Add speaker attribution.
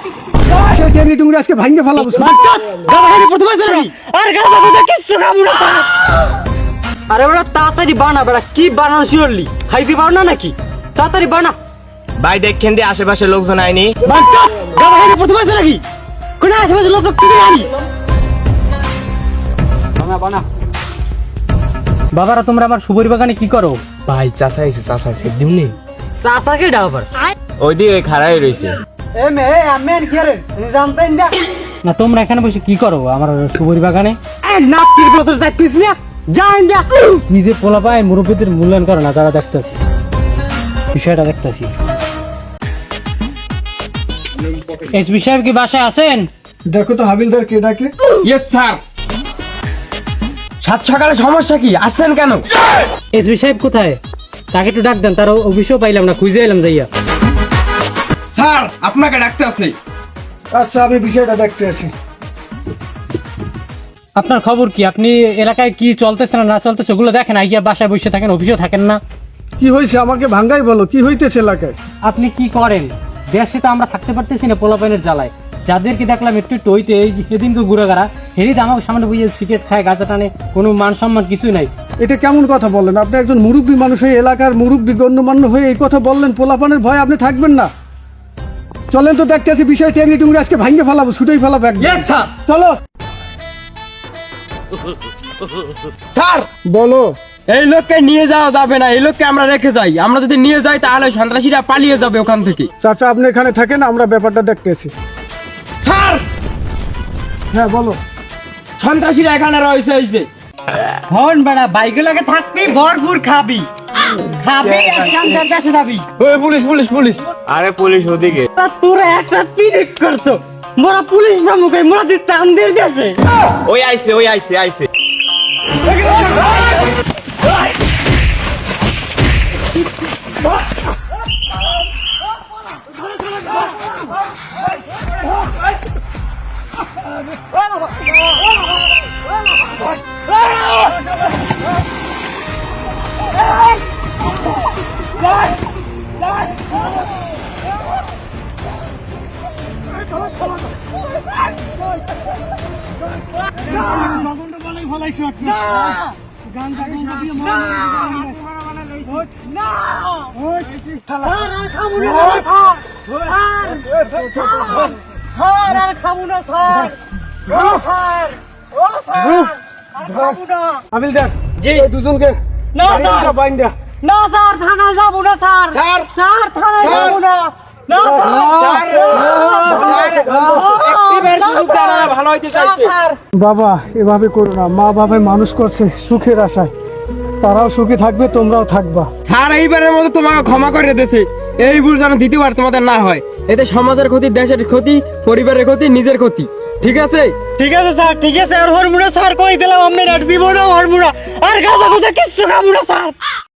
Speaker 1: সেই টেনে টুঙ্গি আজকে ভাঙে ফেলাবো।
Speaker 2: আরে ওরা তাড়াতাড়ি বানা বেড়া, কি বানানো শিওরলি খাইতে পারো না নাকি? তাড়াতাড়ি বানা
Speaker 3: ভাই দেখেন দিয়ে আশেপাশে লোকজন আইনি।
Speaker 2: প্রথমে আছে নাকি কোন আশেপাশে লোক কি জানি? বানা বানা। বাবারা তোমরা আমার সুবরি বাগানে কি করো?
Speaker 3: ভাই চাষা এসে দিমনি
Speaker 2: চাচাকে ডাবার
Speaker 3: ওই দিয়ে খাড়াই রয়েছে।
Speaker 2: এ মে আমি কি রে জানতেন না? না তোমরা এখানে বসে কি করো আমার সুবরি বাগানে? এ নাক কি বলতে যাচ্ছিস না? যাই না নিজে পোলা পায় মুরব্বিদের মূল্যায়ন করে না, তারা দেখতেছি বিষয়টা দেখতেছি। এসপি সাহেব কি বাসায় আছেন?
Speaker 1: দেখো তো হাবিলদার কে ডাকে।
Speaker 3: Yes sir. সাত সকালে সমস্যা কি, আসছেন কেন?
Speaker 2: এসপি সাহেব কোথায়? তাকে একটু ডাক দেন, তার অফিসও পাইলাম না, খুঁজে এলাম যাইয়া।
Speaker 3: স্যার আপনাকে ডাকতে আছে।
Speaker 1: আচ্ছা আমি বিষয়টা দেখতে আছি।
Speaker 2: আপনার খবর কি? আপনি এলাকায় কি চলতেছে না চলতেছে ওগুলো দেখেন, আইয়া বাসায় বসে থাকেন, অফিসেও থাকেন না।
Speaker 1: কি হয়েছে আমাকে ভাঙ্গাই বলো, কি হইতেছে এলাকায়?
Speaker 2: আপনি কি করেন? দেশে তো আমরা থাকতে পারতেছি না পোলাপাইনের জ্বালায়। যাদেরকে দেখলাম একটু একটু হইতে সেদিনকে ঘুরে গেরা হেরিতে আমাকে সামনে বুঝে সিগারেট খায়, গাঁজা টানে, কোনো মান সম্মান কিছুই নাই।
Speaker 1: এটা কেমন কথা বললেন? আপনি একজন মুরব্বী মানুষ হয়ে, এলাকার মুরব্বী গণ্যমান্য হয়ে এই কথা বললেন? পোলাপানের ভয় আপনি থাকবেন না? চলেন তো দেখতে আছি বিষয় টেনে টুঙ্গি আজকে ভাঙে ফেলাবো, ছুটেই ফেলাবো একদম। চলো।
Speaker 3: স্যার
Speaker 1: বলো।
Speaker 3: এই লোককে নিয়ে যাওয়া যাবে না, এই লোককে আমরা রেখে যাই। আমরা যদি নিয়ে যাই তাহলে সন্ত্রাসীরা পালিয়ে যাবে ওখান থেকে।
Speaker 1: চাচা আপনি এখানে থাকেন, আমরা ব্যাপারটা দেখতেছি।
Speaker 3: স্যার
Speaker 1: হ্যাঁ বলো।
Speaker 3: সন্ত্রাসীরা এখানে রয়েছে এই যে।
Speaker 2: হন বেড়া বাইকে লাগে থাকবি, ভরপুর খাবি খাবি, একদম দেশে যাবি।
Speaker 3: ওই পুলিশ পুলিশ পুলিশ। আরে পুলিশ ওদিকে।
Speaker 2: তোরা একটা পিরিক করছো, মোরা পুলিশ না মুখে, মোরা দিস চান্দের দেশে।
Speaker 3: ওই আইছে।
Speaker 1: হাবিলদার
Speaker 2: জি।
Speaker 1: এই দুজনকে
Speaker 2: না স্যার,
Speaker 1: বাইন দেয়া।
Speaker 2: না স্যার, থানায় যাবো না স্যার। স্যার থানায় যাবো না। না স্যার,
Speaker 3: ভালো হইতে চাইছে।
Speaker 1: বাবা এভাবে করো না, মা বাবা মানুষ করছে সুখের আশায়, তারাও সুখী থাকবে, তোমরাও থাকবা।
Speaker 3: স্যার এইবারের মতো তোমাকে ক্ষমা করে দিয়েছে, এই ভুল যেন দ্বিতীয়বার তোমাদের না হয়। এতে সমাজের ক্ষতি, দেশের ক্ষতি, পরিবারের ক্ষতি, নিজের ক্ষতি। ঠিক আছে?
Speaker 2: ঠিক আছে স্যার, ঠিক আছে। আর হরমুনা স্যার কই দিলাম আমি জীবনেও হরমুনা আর গাঁজা কথা কিচ্ছু খাবো না স্যার।